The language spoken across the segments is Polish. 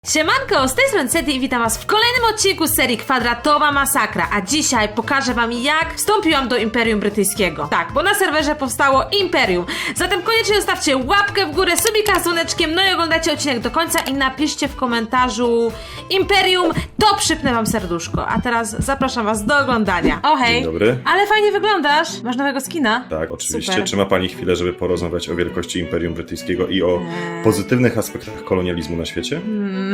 Siemanko, z tej strony Seti i witam was w kolejnym odcinku z serii Kwadratowa Masakra, a dzisiaj pokażę wam jak wstąpiłam do Imperium Brytyjskiego. Tak, bo na serwerze powstało Imperium. Zatem koniecznie zostawcie łapkę w górę, subika z dzwoneczkiem, no i oglądajcie odcinek do końca i napiszcie w komentarzu Imperium, to przypnę wam serduszko. A teraz zapraszam was do oglądania. O hej! Dzień dobry. Ale fajnie wyglądasz. Masz nowego skina? Tak, oczywiście. Super. Czy ma pani chwilę, żeby porozmawiać o wielkości Imperium Brytyjskiego i o pozytywnych aspektach kolonializmu na świecie?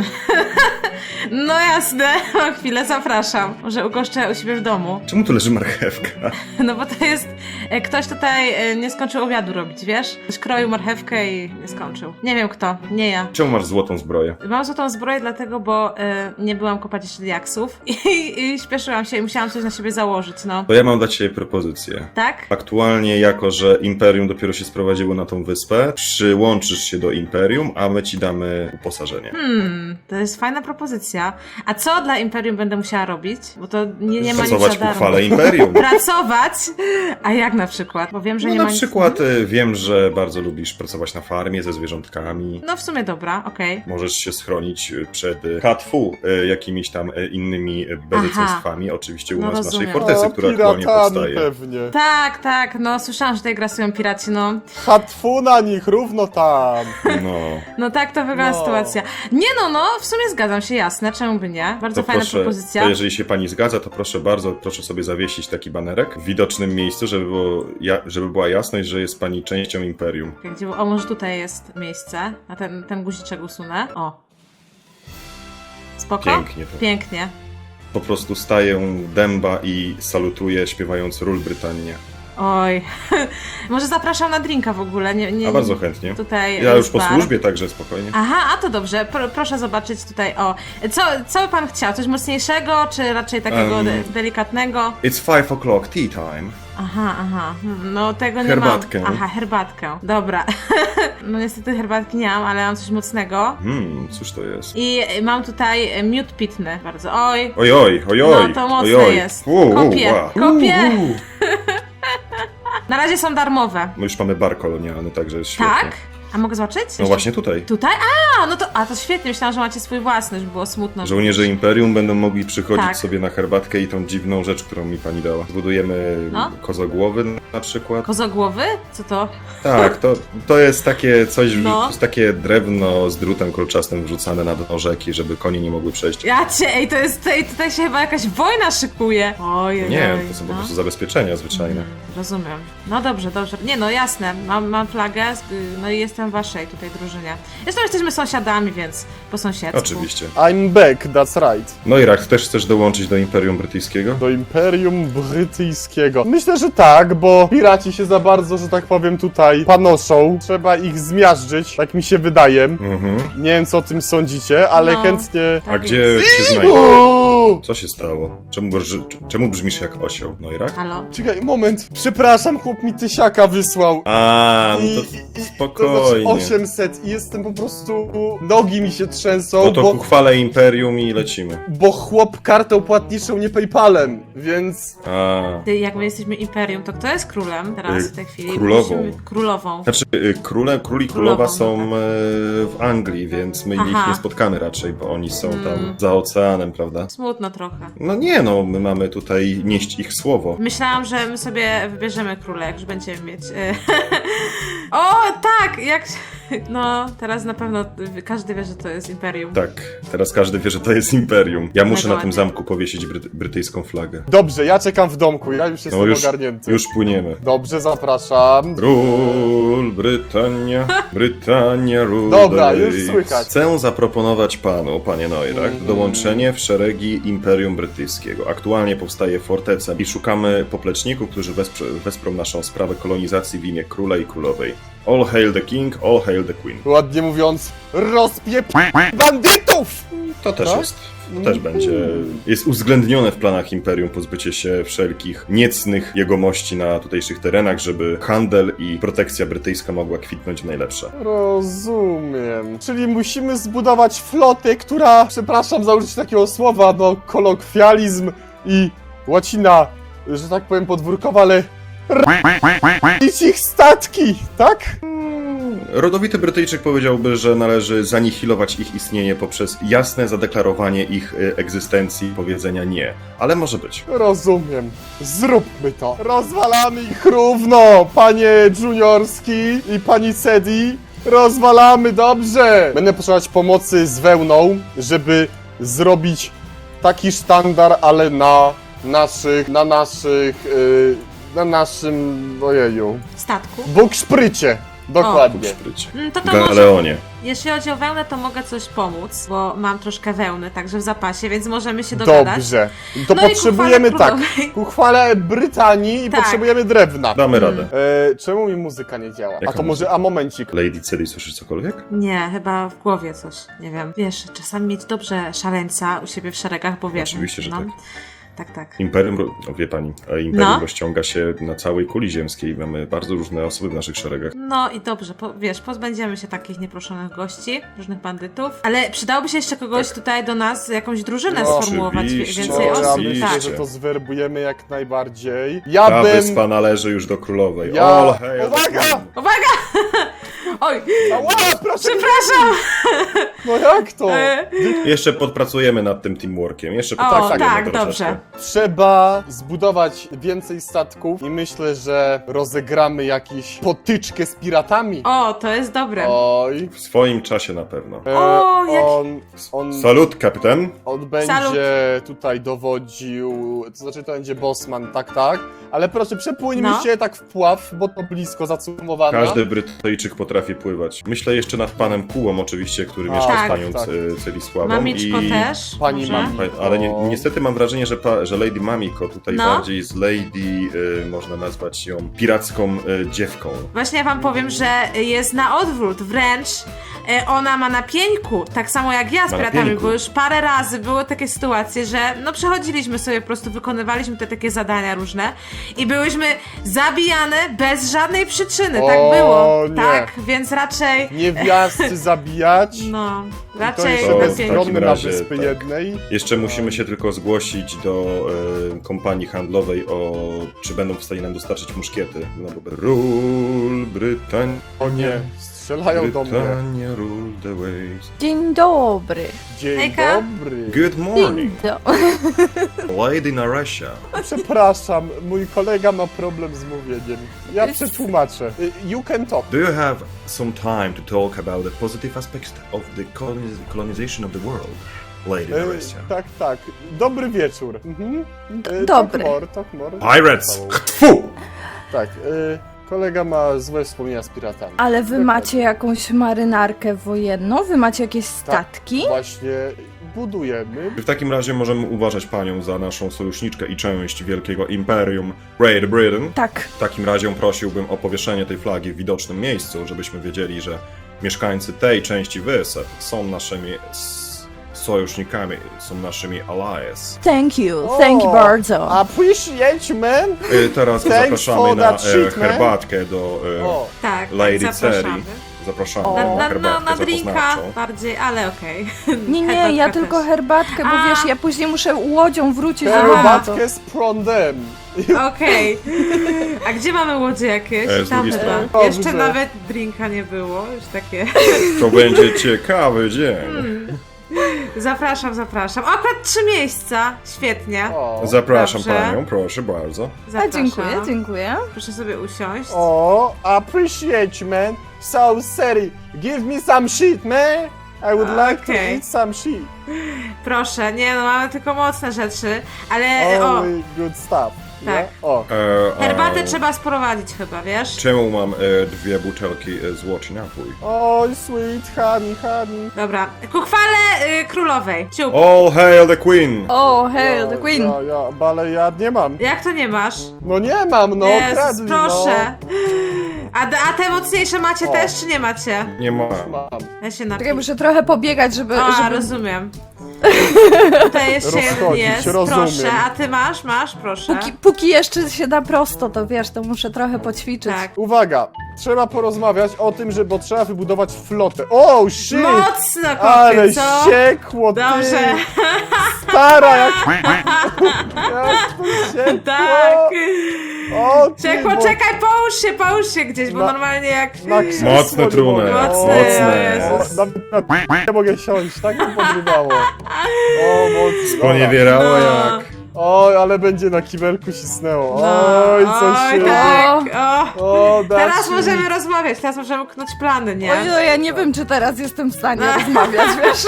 No jasne, o chwilę, zapraszam. Może ugoszczę u siebie w domu. Czemu tu leży marchewka? No bo to jest... Ktoś tutaj nie skończył obiadu robić, wiesz? Ktoś kroił marchewkę i nie skończył. Nie wiem kto, nie ja. Czemu masz złotą zbroję? Mam złotą zbroję dlatego, bo nie byłam kopać jeszcze diaksów i śpieszyłam się i musiałam coś na siebie założyć, no. To ja mam dla ciebie propozycję. Tak? Aktualnie, jako że Imperium dopiero się sprowadziło na tą wyspę, przyłączysz się do Imperium, a my ci damy uposażenie. To jest fajna propozycja. A co dla Imperium będę musiała robić? Bo to nie ma nic Pracować za w darmo. uchwale Imperium. Pracować? A jak na przykład? Bo wiem, że No nie na ma nic... przykład wiem, że bardzo lubisz pracować na farmie ze zwierzątkami. No w sumie dobra, okej. Możesz się schronić przed Katfu, jakimiś tam innymi bezeceństwami, oczywiście u No nas w naszej rozumiem. fortecy, która aktualnie powstaje. Pewnie. Tak, no słyszałam, że tutaj grasują piraci, no. Hatfu na nich, równo tam. No. No tak to wygląda No. sytuacja. Nie no, w sumie zgadzam się, jasne, czemu by nie? Bardzo To fajna proszę, propozycja. to jeżeli się pani zgadza, to proszę bardzo, proszę sobie zawiesić taki banerek w widocznym miejscu, żeby była jasność, że jest pani częścią Imperium. Gdzie, o, może tutaj jest miejsce, a ten guziczek usunę. O. Spoko? Pięknie to. Pięknie. Po prostu staję dęba i salutuję, śpiewając Ról Brytania. Oj. Może zapraszam na drinka w ogóle, nie. A bardzo chętnie. Tutaj Ja już jest po bar. służbie, także spokojnie. Aha, a to dobrze. Proszę zobaczyć tutaj, o. Co by pan chciał? Coś mocniejszego, czy raczej takiego delikatnego? It's 5 o'clock, tea time. Aha. No tego nie Herbatkę. mam. Aha, herbatkę. Dobra. No niestety herbatki nie mam, ale mam coś mocnego. Cóż to jest? I mam tutaj miód pitny. Bardzo. Oj. Ojoj. No to mocne jest. Kopię. Na razie są darmowe. My już mamy bar kolonialny, także jest świetnie. Tak? A mogę zobaczyć? No właśnie tutaj. Tutaj? To świetnie. Myślałam, że macie swój własny, żeby było smutno. Żołnierze Imperium będą mogli przychodzić Tak. sobie na herbatkę i tą dziwną rzecz, którą mi pani dała. Zbudujemy No. kozogłowy na przykład. Kozogłowy? Co to? Tak, to jest takie coś, No. to jest takie drewno z drutem kolczastym wrzucane na dno rzeki, żeby konie nie mogły przejść. Ej, tutaj się chyba jakaś wojna szykuje. Ojej. Nie, to są po prostu zabezpieczenia zwyczajne. Rozumiem. No dobrze. Nie no, jasne. Mam flagę, no i jestem w waszej tutaj drużynie. Zresztą jesteśmy sąsiadami, więc po sąsiedztwu. Oczywiście. I'm back, that's right. No i Rak, też chcesz dołączyć do Imperium Brytyjskiego? Do Imperium Brytyjskiego. Myślę, że tak, bo piraci się za bardzo, że tak powiem, tutaj panoszą. Trzeba ich zmiażdżyć, tak mi się wydaje. Mhm. Nie wiem, co o tym sądzicie, ale No. chętnie... A Tak gdzie jest. się znajdzie? Uuu! Co się stało? Czemu brzmisz jak osioł? No i Rak? Halo? Czekaj, moment. Przepraszam, chłop mi tysiaka wysłał. A, no to To znaczy spokojnie. 800 i jestem po prostu... Nogi mi się trzęsą, No to ku chwale Imperium i lecimy. bo chłop kartą płatniczą, nie PayPalem, więc... A. Jak my jesteśmy imperium, to kto jest królem teraz w tej chwili? Królową. Królową. Znaczy, król i królowa są w Anglii, więc my ich Aha. nie spotkamy raczej, bo oni są tam za oceanem, prawda? Smutno trochę. No nie, no, my mamy tutaj nieść ich słowo. Myślałam, że my sobie wybierzemy króla, jak już będziemy mieć. O, tak! No, teraz na pewno każdy wie, że to jest imperium. Tak, teraz każdy wie, że to jest Imperium. Ja muszę na Dokładnie. tym zamku powiesić brytyjską flagę. Dobrze, ja czekam w domku, ja już jestem No ogarnięty. już płyniemy. Dobrze, zapraszam. Ról, Brytania, ról. Dobra, już słychać. Chcę zaproponować panu, panie Neurach, dołączenie w szeregi Imperium Brytyjskiego. Aktualnie powstaje forteca i szukamy popleczników, którzy wesprą naszą sprawę kolonizacji w imię króla i królowej. All hail the king, all hail the queen. Ładnie mówiąc, rozpiep bandytów! To też Tak? jest. To też jest uwzględnione w planach Imperium pozbycie się wszelkich niecnych jegomości na tutejszych terenach, żeby handel i protekcja brytyjska mogła kwitnąć w najlepsze. Rozumiem. Czyli musimy zbudować flotę, która, przepraszam za użycie takiego słowa, no kolokwializm i łacina, że tak powiem podwórkowa, ale ich statki, tak? Rodowity Brytyjczyk powiedziałby, że należy zanihilować ich istnienie poprzez jasne zadeklarowanie ich egzystencji, powiedzenia nie. Ale może być. Rozumiem. Zróbmy to. Rozwalamy ich równo, panie Juniorski i pani Cedi. Rozwalamy, dobrze. Będę potrzebować pomocy z wełną, żeby zrobić taki sztandar, ale na naszym, ojeju, Statku. bukszprycie. Dokładnie. Szprycie. To może... Galeonie. Jeśli chodzi o wełnę, to mogę coś pomóc, bo mam troszkę wełny, także w zapasie, więc możemy się dogadać. Dobrze. To No i potrzebujemy ku chwale tak. królowej. Ku chwale Brytanii i Tak. potrzebujemy drewna. Damy radę. Czemu mi muzyka nie działa? Jaka A to może, a momencik. Lady Cedi, słyszysz cokolwiek? Nie, chyba w głowie coś, nie wiem. Wiesz, czasami mieć dobrze szaleńca u siebie w szeregach, bo wiesz. Oczywiście, że tak. Tak. Imperium, no wie pani, Imperium No. rozciąga się na całej kuli ziemskiej. Mamy bardzo różne osoby w naszych szeregach. No i dobrze, wiesz, pozbędziemy się takich nieproszonych gości, różnych bandytów, ale przydałoby się jeszcze kogoś tutaj do nas, jakąś drużynę No, sformułować, oczywiście, więcej Ja osób, myślę, tak. że to zwerbujemy jak najbardziej. Ta Ja bym... wyspa należy już do królowej. Ja- All hail the Uwaga! queen. Uwaga! Oj, Ała, proszę! przepraszam! No jak to? Jeszcze podpracujemy nad tym teamworkiem. Jeszcze O, popracujemy tak, troszeczkę. dobrze. Trzeba zbudować więcej statków i myślę, że rozegramy jakąś potyczkę z piratami. O, to jest dobre. Oj. W swoim czasie na pewno. O, jak- Salut, kapitan. On będzie Salut. tutaj dowodził, to znaczy to będzie bossman, tak, ale proszę przepłyńmy No. się tak w pław, bo to blisko zacumowana. Każdy Brytyjczyk potrafi pływać. Myślę jeszcze nad panem Kułą oczywiście, który mieszka tak, z panią tak. Celisławą. Mamiczko i... też. Pani może? Mami. Ale niestety mam wrażenie, że Lady Mamiko tutaj No. bardziej z Lady, można nazwać ją piracką dziewką. Właśnie ja wam powiem, że jest na odwrót, wręcz ona ma na pieńku, tak samo jak ja z Ma na piratami, pieńku. bo już parę razy były takie sytuacje, że no przechodziliśmy sobie, po prostu wykonywaliśmy te takie zadania różne i byłyśmy zabijane bez żadnej przyczyny, tak O, było. nie. Tak, więc raczej, Niewiasty zabijać. no, To raczej jeszcze To na w bezbronny pieńku. takim na razie, wyspy tak. jednej. Jeszcze musimy się tylko zgłosić do kompanii handlowej, czy będą w stanie nam dostarczyć muszkiety. No bo Rule Britannia, O nie, strzelają do mnie. Britannia rule the waves. Dzień dobry. Dzień Hejka. dobry. Good Dzień morning, dobry. Lady Naresha. Przepraszam, mój kolega ma problem z mówieniem. Ja przetłumaczę. You can talk. Do you have some time to talk about the positive aspects of the colonization of the world, Lady Naresha? Tak. Dobry wieczór. Mhm. Dobry. Talk more. Pirates! Tfu! Tak, kolega ma złe wspomnienia z piratami. Ale wy Dokładnie. macie jakąś marynarkę wojenną? Wy macie jakieś statki? Właśnie budujemy. W takim razie możemy uważać panią za naszą sojuszniczkę i część wielkiego imperium Great Britain. Tak. W takim razie prosiłbym o powieszenie tej flagi w widocznym miejscu, żebyśmy wiedzieli, że mieszkańcy tej części wysep są naszymi sojusznikami, są naszymi allies. Thank you O, bardzo. Appreciate you, man! Teraz Thanks zapraszamy for na that shit, man. herbatkę do O, Tak, Lady tak, zapraszamy. Ceri. Zapraszamy O. na herbatkę Na drinka zapoznawczą. bardziej, ale okej. Nie, ja Herbatka tylko też. herbatkę, bo A. wiesz, ja później muszę łodzią wrócić do herbatkę z prądem. Okej. A gdzie mamy łodzie jakieś? Z Tam drugiej chyba. strony. Jeszcze Dobrze. nawet drinka nie było, już takie. To będzie ciekawy dzień. Zapraszam. Akurat 3 miejsca. Świetnie. O, Zapraszam Dobrze. panią, proszę bardzo. A Zapraszam. dziękuję. Proszę sobie usiąść. Appreciate you, man. So, Seri, give me some shit, man. I would like to Okej. eat some shit. Proszę, nie no, mamy tylko mocne rzeczy, ale Only good stuff. Tak. Yeah? O. herbatę trzeba sprowadzić chyba, wiesz? Czemu mam 2 butelki złoci napój? Oj, sweet honey. Dobra, ku chwale królowej. Ciup. All hail the queen! O, hail the queen. Ale ja nie mam. Jak to nie masz? No nie mam, no, Jezus, kradli, proszę. A te mocniejsze macie O. też, czy nie macie? Nie ma. no. Mam. Ja się Czekaj, napiję. muszę trochę pobiegać, żeby... Rozumiem. Tutaj jeszcze jeden Rozchodzić, jest, rozumiem. proszę. A ty masz, proszę. Póki jeszcze się da prosto, to wiesz, to muszę trochę poćwiczyć. Tak. Uwaga, trzeba porozmawiać o tym, bo trzeba wybudować flotę. Oh shit! Mocno, Ale koty, co? siekło, ty! Dobrze. Stara, jak to siekło! Tak. O, ty, Czekaj, bo- poczekaj, połóż się gdzieś, bo Na- normalnie jak... na krzesło Mocne nie trunek. mogę. Mocne, Mocne. o Jezus. Nie mogę siąść, tak mi podrywało. O, mocno. Sponiewierało No. jak... Oj, ale będzie na kibelku cisnęło. No, Oj, coś się... tak, o. O, Teraz Dasiu. możemy rozmawiać, teraz możemy knąć plany, nie? Oj, no ja nie wiem, czy teraz jestem w stanie No. rozmawiać, wiesz?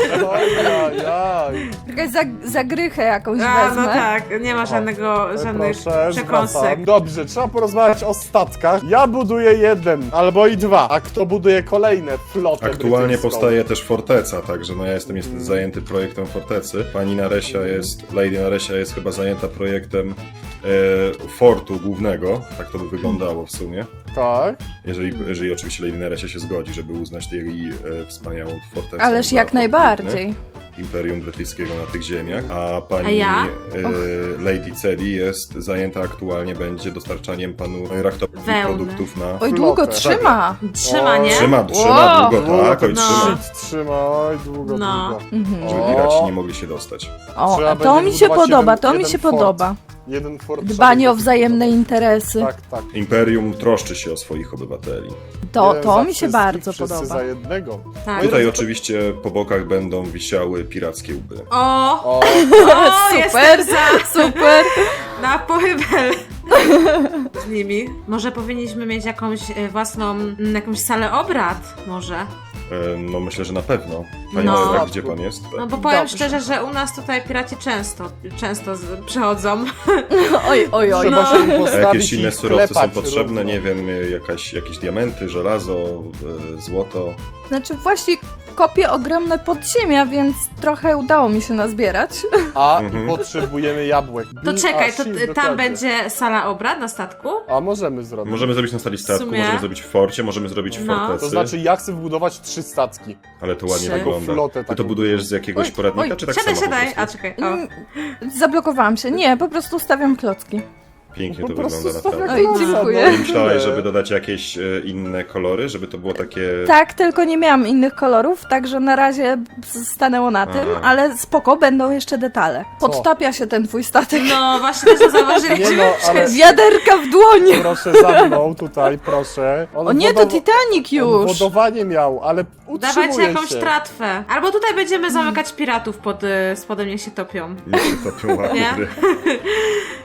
Ojajaj. Jakaś zagrychę jakąś A, wezmę. no tak, nie ma żadnych Proszę, przekąsek. zwracam. Dobrze, trzeba porozmawiać o statkach. Ja buduję jeden, albo i dwa, a kto buduje kolejne flotę Aktualnie brytyjską? powstaje też forteca, także no ja jestem niestety zajęty projektem fortecy. Pani Lady Naresia jest chyba zajęta projektem fortu głównego, tak to by wyglądało w sumie. Tak. Jeżeli oczywiście Lady Naresia się zgodzi, żeby uznać jej wspaniałą fortecę. Ależ za jak fort najbardziej. Imperium Brytyjskiego na tych ziemiach, a A pani ja? Lady Cedi jest zajęta aktualnie będzie dostarczaniem panu Rachtowi Wełny. produktów na... Oj, długo Flotę. trzyma. Trzyma, nie? Trzyma Wow. długo, tak, oj No. trzyma, Shit, trzyma, oj, długo, No. długo. żeby O. piraci nie mogli się dostać. O, Trzeba a to będzie mi się budować podoba, jeden- to mi jeden się fort. podoba. Jeden fort Dbanie trzeba o wzajemne interesy. Tak, tak. Imperium troszczy się o swoich obywateli. To Jeden za mi się wszystkich, bardzo wszyscy podoba. za jednego. Tak. Tutaj oczywiście po bokach będą wisiały pirackie łby. O, O, o, jestem Super, za, super. na pochybel z nimi. Może powinniśmy mieć jakąś własną, jakąś salę obrad, może? No myślę, że na pewno. Panie No. Nowak, gdzie pan jest? No bo powiem Dobrze. szczerze, że u nas tutaj piraci często przychodzą. Oj, oj, oj. trzeba no. się im A postawić jakieś inne i surowce są klepać potrzebne, równo. nie wiem, jakieś diamenty, żelazo, złoto. Znaczy właśnie kopię ogromne podziemia, więc trochę udało mi się nazbierać. A Mhm. i potrzebujemy jabłek. To czekaj, to Shield, tam dokładnie. będzie sala obrad na statku? A możemy zrobić. Możemy zrobić na sali statku, sumie. możemy zrobić w forcie, możemy zrobić w No. fortecy. To znaczy, ja chcę wbudować 3 statki. Ale to ładnie Trzy. wygląda. Flotę Ty to taką. budujesz z jakiegoś Oj, poradnika, oj, czy tak Siadaj, samo po siadaj. prostu? A czekaj, o. Zablokowałam się. Nie, po prostu stawiam klocki. Pięknie Po to prostu wygląda stawiam naprawdę. Oj, dziękuję. no i Nie myślałeś, tyle. żeby dodać jakieś inne kolory, żeby to było takie... Tak, tylko nie miałam innych kolorów, także na razie stanęło na tym, Aha. ale spoko, będą jeszcze detale. Podtapia się ten twój statek. No, właśnie też to zauważyliśmy. Nie no, ale Wiaderka w dłonie! proszę za mną tutaj, proszę. On O nie, to Titanic on już! wodowanie miał, ale utrzymuje Dawajcie jakąś się. tratwę. Albo tutaj będziemy zamykać piratów pod spodem, niech się topią. Nie się topią łapy. Nie?